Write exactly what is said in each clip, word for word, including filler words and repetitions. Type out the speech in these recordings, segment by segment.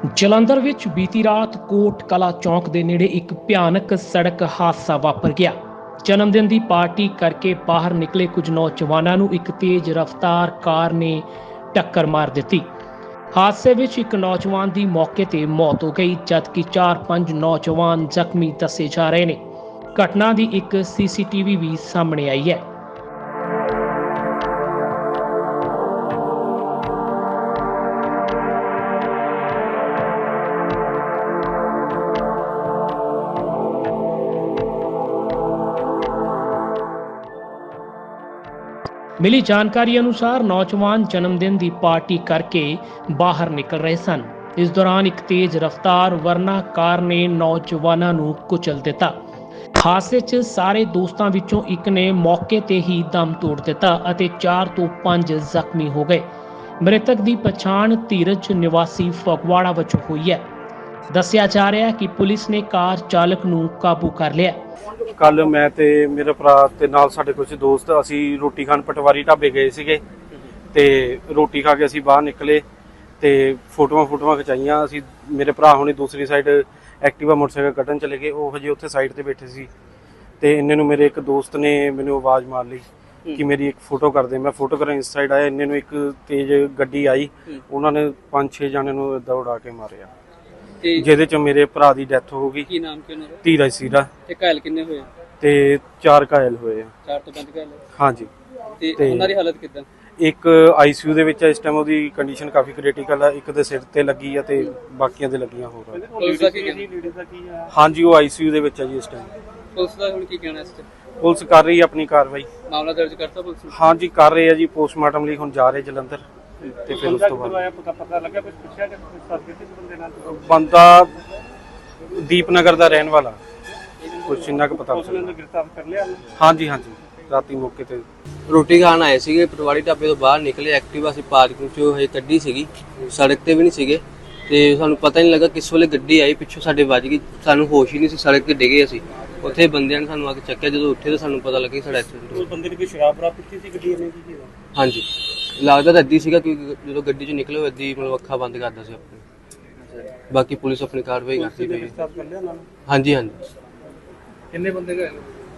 ਜਲੰਧਰ ਵਿੱਚ ਬੀਤੀ ਰਾਤ ਕੋਟ ਕਲਾ ਚੌਂਕ ਦੇ ਨੇੜੇ ਇੱਕ ਭਿਆਨਕ ਸੜਕ ਹਾਦਸਾ ਵਾਪਰ ਗਿਆ। ਜਨਮ ਦਿਨ ਦੀ ਪਾਰਟੀ ਕਰਕੇ ਬਾਹਰ ਨਿਕਲੇ ਕੁਝ ਨੌਜਵਾਨਾਂ ਨੂੰ ਇੱਕ ਤੇਜ਼ ਰਫ਼ਤਾਰ ਕਾਰ ਨੇ ਟੱਕਰ ਮਾਰ ਦਿੱਤੀ। ਹਾਦਸੇ ਵਿੱਚ ਇੱਕ ਨੌਜਵਾਨ ਦੀ ਮੌਕੇ ਤੇ ਮੌਤ ਹੋ ਗਈ, ਜਦਕਿ ਚਾਰ ਪੰਜ ਨੌਜਵਾਨ ਜ਼ਖਮੀ ਦੱਸੇ ਜਾ ਰਹੇ ਨੇ। ਘਟਨਾ ਦੀ ਇੱਕ ਸੀਸੀਟੀਵੀ ਵੀ ਸਾਹਮਣੇ ਆਈ ਹੈ। मिली जानकारी अनुसार नौजवान जन्मदिन की पार्टी करके बाहर निकल रहे सन। इस दौरान एक तेज रफ्तार वरना कार ने नौजवानों को कुचल दिता। हादसे च सारे दोस्तों विचों एक ने मौके ते ही दम तोड़ दिता अते चार तो पांच जख्मी हो गए। मृतक की पछाण धीरज निवासी फगवाड़ा वजों हुई है। दस्सिया जा रहा है कि पुलिस ने कार चालक नूं काबू कर लिया। कल मैं ते मेरे भरा ते नाल साडे कुछ दोस्त असी रोटी खान पटवारी ढाबे गए सीगे ते रोटी खा के असी बाहर निकले ते फोटोआं फोटोआं खिचाइयां। असी मेरे भरा हुणे दूसरी साइड एक्टिवा मोटरसाइकिल कड्ढन चले गए। वो हजे उत्थे साइड ते बैठे सी ते इन्ने नूं मेरे एक दोस्त ने मैनूं आवाज़ मार लई कि मेरी एक फोटो कर दे। मैं फोटो करन इस साइड आया, इन्ने नूं एक तेज गड्डी आई, उन्होंने पांच छे जाने नूं इदां उड़ा के मारिया, ਜਿਹਦੇ ਚ ਮੇਰੇ ਭਰਾ ਦੀ ਡੈਥ ਹੋ ਗਈ। ਕੀ ਨਾਮ ਕੀ ਉਹਨਾਂ ਦਾ? ਧੀਰਜ ਸੀਰਾ। ਤੇ ਘਾਇਲ ਕਿੰਨੇ ਹੋਏ? ਤੇ ਚਾਰ ਘਾਇਲ ਹੋਏ ਆ। ਚਾਰ ਤੋਂ ਪੰਜ ਘਾਇਲ? ਹਾਂਜੀ। ਤੇ ਉਹਨਾਂ ਦੀ ਹਾਲਤ ਕਿੱਦਾਂ? ਇੱਕ ਆਈਸੀਯੂ ਦੇ ਵਿੱਚ ਇਸ ਟਾਈਮ ਉਹਦੀ ਕੰਡੀਸ਼ਨ ਕਾਫੀ ਕ੍ਰਿਟੀਕਲ ਆ। ਇੱਕ ਦੇ ਸਿਰ ਤੇ ਲੱਗੀ ਆ ਤੇ ਬਾਕੀਆਂ ਦੇ ਲੱਗੀਆਂ ਹੋਰ ਆ। ਪੁਲਿਸ ਦਾ ਕੀ ਕਹਿਣਾ? ਹਾਂਜੀ, ਉਹ ਆਈਸੀਯੂ ਦੇ ਵਿੱਚ ਆ ਜੀ ਇਸ ਟਾਈਮ। ਪੁਲਿਸ ਦਾ ਹੁਣ ਕੀ ਕਹਿਣਾ ਇਸ ਤੇ? ਪੁਲਿਸ ਕਰ ਰਹੀ ਆਪਣੀ ਕਾਰਵਾਈ। ਮਾਮਲਾ ਦਰਜ ਕਰਤਾ ਪੁਲਿਸ ਨੇ? ਹਾਂਜੀ, ਕਰ ਰਹੇ ਆ ਜੀ। ਪੋਸਟਮਾਰਟਮ ਲਈ ਹੁਣ ਜਾ ਰਹੇ ਜਲੰਧਰ ਤੇ ਫਿਰ ਉਸ ਤੋਂ ਬਾਅਦ ਪਤਾ ਲੱਗਾ ਕੁਝ ਪੁੱਛਿਆ ਕਿ ਸਰਕਟ ਕਿਸ ਬੰਦੇ ਨਾਲ ਬੰਦਾ ਦੀਪਨਗਰ ਦਾ ਰਹਿਣ ਵਾਲਾ, ਕੁਛ ਇੰਨਾ ਕੁ ਪਤਾ ਉਹਨੂੰ ਗ੍ਰਿਫਤਾਰ ਕਰ ਲਿਆ? ਹਾਂਜੀ ਹਾਂਜੀ, ਰਾਤੀ ਮੌਕੇ ਤੇ ਰੋਟੀ ਖਾਣ ਆਏ ਸੀਗੇ। ਪਟਵਾਰੀ ਢਾਬੇ ਤੋਂ ਬਾਹਰ ਨਿਕਲੇ, ਐਕਟਿਵਾ ਅਸੀਂ ਪਾਰਕਿੰਗ ਚੋਂ ਹਜੇ ਕੱਢੀ ਸੀਗੀ, ਸੜਕ ਤੇ ਵੀ ਨਹੀਂ ਸੀਗੇ ਤੇ ਸਾਨੂੰ ਪਤਾ ਨਹੀਂ ਲੱਗਾ ਕਿਸ ਵੇਲੇ ਗੱਡੀ ਆਈ ਪਿੱਛੋਂ ਸਾਡੇ ਵੱਜ ਗਈ। ਸਾਨੂੰ ਹੋਸ਼ ਹੀ ਨਹੀਂ ਸੀ, ਸੜਕ ਤੇ ਡਿੱਗੇ ਅਸੀਂ। ਉੱਥੇ ਬੰਦਿਆਂ ਨੇ ਸਾਨੂੰ ਆ ਕੇ ਚੱਕਿਆ। ਜਦੋਂ ਉੱਠੇ ਤਾਂ ਸਾਨੂੰ ਪਤਾ ਲੱਗਾ ਸਾਡਾ ਐਕਸੀਡੈਂਟ ਹੋ ਗਿਆ। ਬੰਦੇ ਨੇ ਕੋਈ ਸ਼ਰਾਬ ਬਰਾ ਪੀਤੀ ਸੀ ਗੱਡੀ ਨੇ ਕੀ? ਹਾਂਜੀ, ਲੱਗਦਾ ਤਾਂ ਅੱਧੀ ਸੀਗਾ ਕਿਉਂਕਿ ਜਦੋਂ ਗੱਡੀ ਚੋਂ ਨਿਕਲੇ ਉਹ ਅੱਧੀ ਮਤਲਬ ਅੱਖਾਂ ਬੰਦ ਕਰਦਾ ਸੀ ਆਪਣੀ। ਬਾਕੀ ਪੁਲਿਸ ਆਪਣੀ ਕਾਰਵਾਈ ਕਰਦੀ ਪਈ ਹੈ। ਹਾਂਜੀ ਹਾਂਜੀ। ਕਿੰਨੇ ਬੰਦੇ ਗਏ?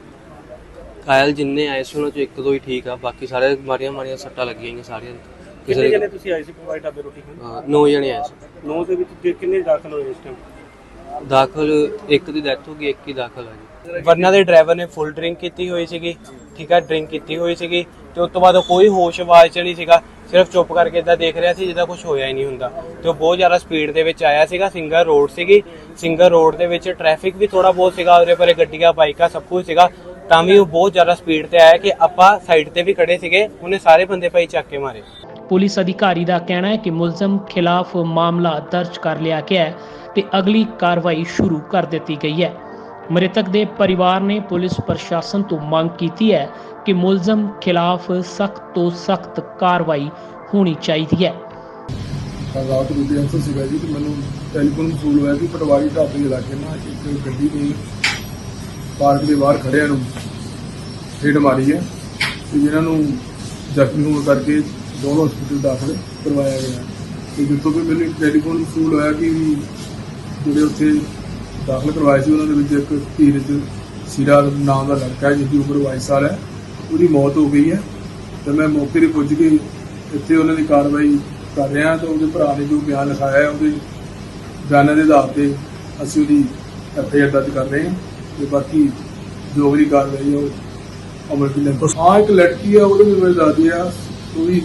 ਘਾਇਲ ਜਿੰਨੇ ਆਏ ਸੀ ਉਹਨਾਂ ਚੋਂ ਇੱਕ ਦੋ ਹੀ ਠੀਕ ਆ, ਬਾਕੀ ਸਾਰੇ ਮਾਰੀਆਂ ਮਾਰੀਆਂ ਸੱਟਾਂ ਲੱਗੀਆਂ ਹੋਈਆਂ ਸਾਰੀਆਂ। ਕਿੰਨੇ ਜਣੇ ਤੁਸੀਂ ਆਏ ਸੀ ਪਟਵਾਰੀ ਢਾਬੇ ਰੋਟੀ ਖਾਣ? ਨੌ ਜਣੇ ਆਏ ਸੀ। ਨੌ ਦੇ ਵਿੱਚ ਕਿੰਨੇ ਦਾਖਲ ਹੋਏ ਇਸ ਟਾਈਮ? ਦਾਖਲ ਇੱਕ ਦੀ ਡੈਥ ਹੋ ਗਈ, ਇੱਕ ਹੀ ਦਾਖਲ ਆ ਜੀ। ਵਰਨਾ ਦੇ ਡਰਾਈਵਰ ਨੇ ਫੁੱਲ ਡਰਿੰਕ ਕੀਤੀ ਹੋਈ ਸੀਗੀ, ਠੀਕ ਹੈ, ਡਰਿੰਕ ਕੀਤੀ ਹੋਈ ਸੀਗੀ ਤੇ ਉਸ ਤੋਂ ਬਾਅਦ ਕੋਈ ਹੋਸ਼ ਆਵਾਜ਼ ਚ ਨਹੀਂ ਸੀਗਾ, ਸਿਰਫ ਚੁੱਪ ਕਰਕੇ ਇਦਾਂ ਦੇਖ ਰਿਹਾ ਸੀ ਜਿੱਦਾਂ ਕੁਝ ਹੋਇਆ ਹੀ ਨਹੀਂ ਹੁੰਦਾ। ਤੇ ਉਹ ਬਹੁਤ ਜ਼ਿਆਦਾ ਸਪੀਡ ਦੇ ਵਿੱਚ ਆਇਆ ਸੀਗਾ। ਸਿੰਗਲ ਰੋਡ ਸੀਗੀ, ਸਿੰਗਲ ਰੋਡ ਦੇ ਵਿੱਚ ਟ੍ਰੈਫਿਕ ਵੀ ਥੋੜਾ ਬਹੁਤ ਸੀਗਾ, ਉਹਦੇ ਪਰੇ ਗੱਡੀਆਂ ਬਾਈਕਾਂ ਸਭ ਕੁਝ ਸੀਗਾ, ਤਾਂ ਵੀ ਉਹ ਬਹੁਤ ਜ਼ਿਆਦਾ ਸਪੀਡ ਤੇ ਆਇਆ ਕਿ ਆਪਾਂ ਸਾਈਡ ਤੇ ਵੀ ਖੜੇ ਸੀਗੇ, ਉਹਨੇ ਸਾਰੇ ਬੰਦੇ ਭਾਈ ਚੱਕ ਕੇ ਮਾਰੇ। ਪੁਲਿਸ ਅਧਿਕਾਰੀ ਦਾ ਕਹਿਣਾ ਹੈ ਕਿ ਮੁਲਜ਼ਮ ਖਿਲਾਫ ਮਾਮਲਾ ਦਰਜ ਕਰ ਲਿਆ ਗਿਆ ਹੈ ਤੇ ਅਗਲੀ ਕਾਰਵਾਈ ਸ਼ੁਰੂ ਕਰ ਦਿੱਤੀ ਗਈ ਹੈ। ਮ੍ਰਿਤਕ ਦੇ ਪਰਿਵਾਰ ਨੇ ਪੁਲਿਸ ਪ੍ਰਸ਼ਾਸਨ ਤੋਂ ਮੰਗ ਕੀਤੀ ਹੈ ਕਿ ਮੁਲਜ਼ਮ ਖਿਲਾਫ ਸਖਤ ਤੋਂ ਸਖਤ ਕਾਰਵਾਈ ਹੋਣੀ ਚਾਹੀਦੀ ਹੈ। ਰਾਤ ਨੂੰ ਅੰਸਰ ਸੀਗਾ ਜੀ ਤੇ ਮੈਨੂੰ ਟੈਲੀਫੋਨ ਵਸੂਲ ਹੋਇਆ ਕਿ ਪਟਵਾਰੀ ਢਾਬੇ ਇਲਾਕੇ ਨਾਲ ਇੱਕ ਗੱਡੀ ਨੇ ਪਾਰਕ ਦੇ ਬਾਹਰ ਖੜਿਆਂ ਨੂੰ ਹਿੱਟ ਮਾਰੀ ਹੈ ਤੇ ਜਿਨ੍ਹਾਂ ਨੂੰ ਜ਼ਖਮੀ ਹੋਣ ਕਰਕੇ ਦੋਨੋਂ ਹਸਪਤਾਲ ਦਾਖਲ ਕਰਵਾਇਆ ਗਿਆ। ਤੇ ਜਿੱਥੋਂ ਵੀ ਮੈਨੂੰ ਟੈਲੀਫੋਨ ਵਸੂਲ ਹੋਇਆ ਕਿ ਜਿਹੜੇ ਉੱਥੇ ਦਾਖਲ ਕਰਵਾਏ ਸੀ ਉਹਨਾਂ ਦੇ ਵਿੱਚ ਇੱਕ ਧੀਰਜ ਸੀਰਾ ਨਾਮ ਦਾ ਲੜਕਾ ਹੈ ਜਿਹਦੀ ਉਮਰ ਬਾਈ ਸਾਲ ਹੈ, ਉਹਦੀ ਮੌਤ ਹੋ ਗਈ ਹੈ। ਤੇ ਮੈਂ ਮੌਕੇ 'ਤੇ ਪੁੱਜ ਕੇ ਇੱਥੇ ਉਹਨਾਂ ਦੀ ਕਾਰਵਾਈ ਕਰ ਰਿਹਾ ਤਾਂ ਉਹਦੇ ਭਰਾ ਨੇ ਜੋ ਬਿਆਨ ਲਿਖਾਇਆ ਹੈ ਉਹਦੇ ਬਿਆਨਾਂ ਦੇ ਆਧਾਰ 'ਤੇ ਅਸੀਂ ਉਹਦੀ ਐਫ ਆਈ ਆਰ ਦਰਜ ਕਰ ਰਹੇ ਹਾਂ ਤੇ ਬਾਕੀ ਜੋ ਅਗਲੀ ਕਾਰਵਾਈ ਹੈ ਉਹ ਅਮਲ ਵਿੱਚ ਲਿਆਂਦੀ। ਹਾਂ, ਇੱਕ ਲੜਕੀ ਆ, ਉਹਦੇ ਵੀ ਮੈਂ ਦੱਸਦੀ ਆ, ਉਹ ਵੀ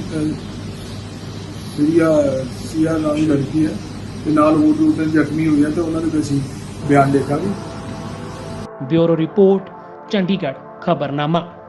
ਸੀਰੀਆ ਸੀਆ ਨਾਮ ਦੀ ਲੜਕੀ ਹੈ ਤੇ ਨਾਲ ਹੋਰ ਦੋ ਤਿੰਨ ਜ਼ਖਮੀ ਹੋਏ ਆ ਤੇ ਉਹਨਾਂ ਦੇ ਅਸੀਂ ਬਿਆਨ ਲਿਖਾਂਗੇ। Bureau report, Chandigarh ਖਬਰਨਾਮਾ।